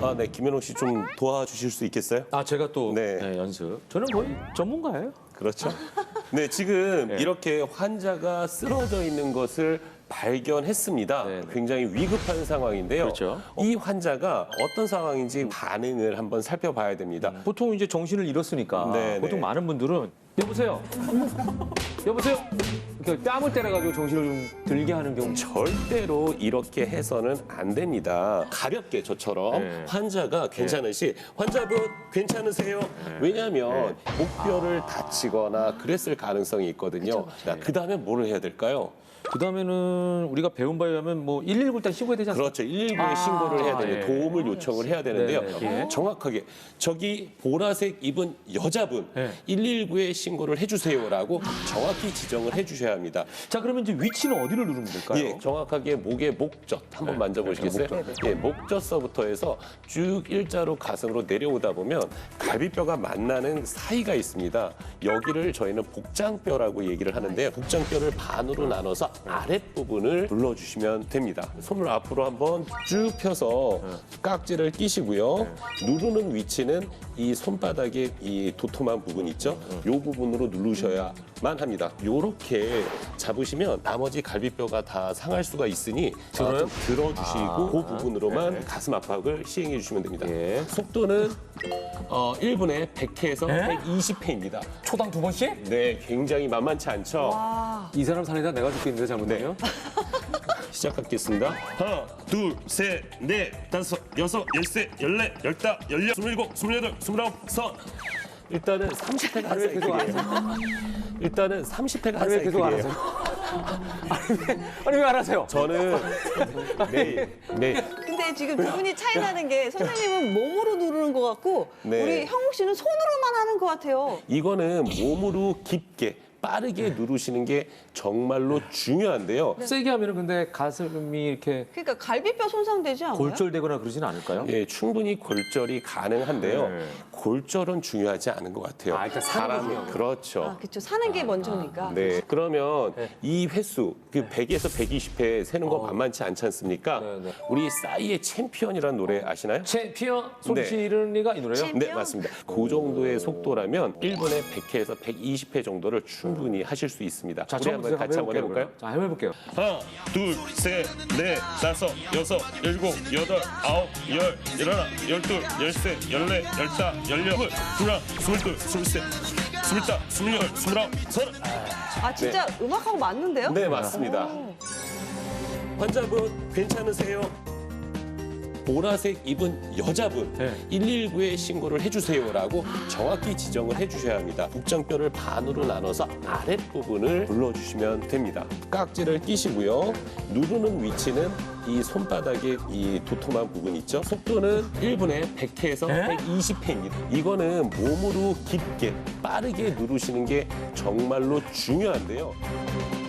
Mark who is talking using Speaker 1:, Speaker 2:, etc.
Speaker 1: 네, 김현옥 씨 좀 도와주실 수 있겠어요?
Speaker 2: 아, 제가 또
Speaker 1: 네.
Speaker 2: 연습. 저는 거의 전문가예요.
Speaker 1: 그렇죠. 네, 지금
Speaker 2: 네.
Speaker 1: 이렇게 환자가 쓰러져 있는 것을 발견했습니다.
Speaker 2: 네, 네.
Speaker 1: 굉장히 위급한 상황인데요.
Speaker 2: 그렇죠.
Speaker 1: 이 환자가 어떤 상황인지 반응을 한번 살펴봐야 됩니다.
Speaker 2: 보통 이제 정신을 잃었으니까
Speaker 1: 네,
Speaker 2: 보통
Speaker 1: 네.
Speaker 2: 많은 분들은 여보세요. 여보세요. 이렇게 뺨을 때려가지고 정신을 좀 들게 하는 경우.
Speaker 1: 절대로 이렇게 해서는 안 됩니다. 가볍게 저처럼
Speaker 2: 네.
Speaker 1: 환자가 괜찮으시 환자분 괜찮으세요? 왜냐하면 목뼈를 다치거나 그랬을 가능성이 있거든요. 그 다음에 뭐를 해야 될까요?
Speaker 2: 그다음에는 우리가 배운 바에 의하면 뭐 119 일단 신고해야 되지 않습니까?
Speaker 1: 그렇죠. 119에 신고를 해야 되는
Speaker 2: 예.
Speaker 1: 도움을 요청을 해야 되는데요.
Speaker 2: 네, 네. 예.
Speaker 1: 정확하게 저기 보라색 입은 여자분
Speaker 2: 예.
Speaker 1: 119에 신고를 해주세요라고 정확히 지정을 해주셔야 합니다.
Speaker 2: 자, 그러면 이제 위치는 어디를 누르면 될까요?
Speaker 1: 예, 정확하게 목의 목젖 한번 만져보시겠어요? 예, 목젖서부터 해서 쭉 일자로 가슴으로 내려오다 보면 갈비뼈가 만나는 사이가 있습니다. 여기를 저희는 복장뼈라고 얘기를 하는데요. 복장뼈를 반으로 나눠서 아랫부분을 눌러주시면 됩니다. 손을 앞으로 한번 쭉 펴서 깍지를 끼시고요. 누르는 위치는 이 손바닥의 이 도톰한 부분 있죠? 이 부분으로 누르셔야만 합니다. 이렇게 잡으시면 나머지 갈비뼈가 다 상할 수가 있으니 좀 들어주시고 그 부분으로만 가슴 압박을 시행해 주시면 됩니다.
Speaker 2: 예.
Speaker 1: 속도는 1분에 100회에서 120회입니다.
Speaker 2: 초당 2번씩?
Speaker 1: 네, 굉장히 만만치 않죠?
Speaker 2: 이 사람 살리다 내가 죽겠는데 잘못되면?
Speaker 1: 시작하겠습니다. 하나, 둘, 셋, 넷, 다섯, 여섯, 열세, 열네, 열다, 열여, 27, 28, 29, 30. 일단은 30회가 한 사이클이에요. 일단은 30회가 한
Speaker 2: 왜 계속 안
Speaker 1: 사이클이에요.
Speaker 2: 하세요? 아니 왜 안 하세요?
Speaker 1: 저는 매일
Speaker 3: 근데 지금 두 분이 차이 나는 게 선생님은 몸으로 누르는 것 같고
Speaker 1: 네.
Speaker 3: 우리 형욱 씨는 손으로만 하는 것 같아요.
Speaker 1: 이거는 몸으로 깊게 빠르게 누르시는 게 정말로 중요한데요.
Speaker 2: 세게 하면은 근데 가슴이 이렇게
Speaker 3: 그러니까 갈비뼈 손상되지 않아요?
Speaker 2: 골절되거나 그러지는 않을까요?
Speaker 1: 예, 충분히 골절이 가능한데요.
Speaker 2: 네.
Speaker 1: 골절은 중요하지 않은 것 같아요.
Speaker 2: 아, 일단 사는 게 중요한
Speaker 1: 그렇죠.
Speaker 3: 아, 그렇죠. 사는 게 먼저니까.
Speaker 1: 네, 그러면 이 횟수, 그 100에서 120회 세는 거 만만치 않지 않습니까?
Speaker 2: 네, 네.
Speaker 1: 우리 싸이의 챔피언이라는 노래 아시나요?
Speaker 2: 챔피언 손시른이가 이 노래요?
Speaker 1: 네, 맞습니다. 그 정도의 속도라면 1분에 100회에서 120회 정도를 충분히 하실 수 있습니다.
Speaker 2: 자,
Speaker 1: 우리 한번 같이 한번 해볼까요?
Speaker 2: 자, 한번 해볼게요.
Speaker 1: 하나, 둘, 셋, 넷, 다섯, 여섯, 일곱, 여덟, 아홉, 열, 열하나, 열둘, 열셋, 열넷, 열다, 열여덟, 스물하나, 스물둘, 스물셋, 스물다, 스물여덟, 스물아홉, 서른.
Speaker 3: 아, 진짜 음악하고 맞는데요?
Speaker 1: 네, 맞습니다.
Speaker 3: 오.
Speaker 1: 환자분 괜찮으세요? 보라색 입은 여자분
Speaker 2: 네.
Speaker 1: 119에 신고를 해주세요라고 정확히 지정을 해주셔야 합니다. 복장뼈를 반으로 나눠서 아랫부분을 눌러주시면 됩니다. 깍지를 끼시고요. 누르는 위치는 이 손바닥의 이 도톰한 부분 있죠? 속도는 1분에 100회에서 120회입니다. 이거는 몸으로 깊게 빠르게 누르시는 게 정말로 중요한데요.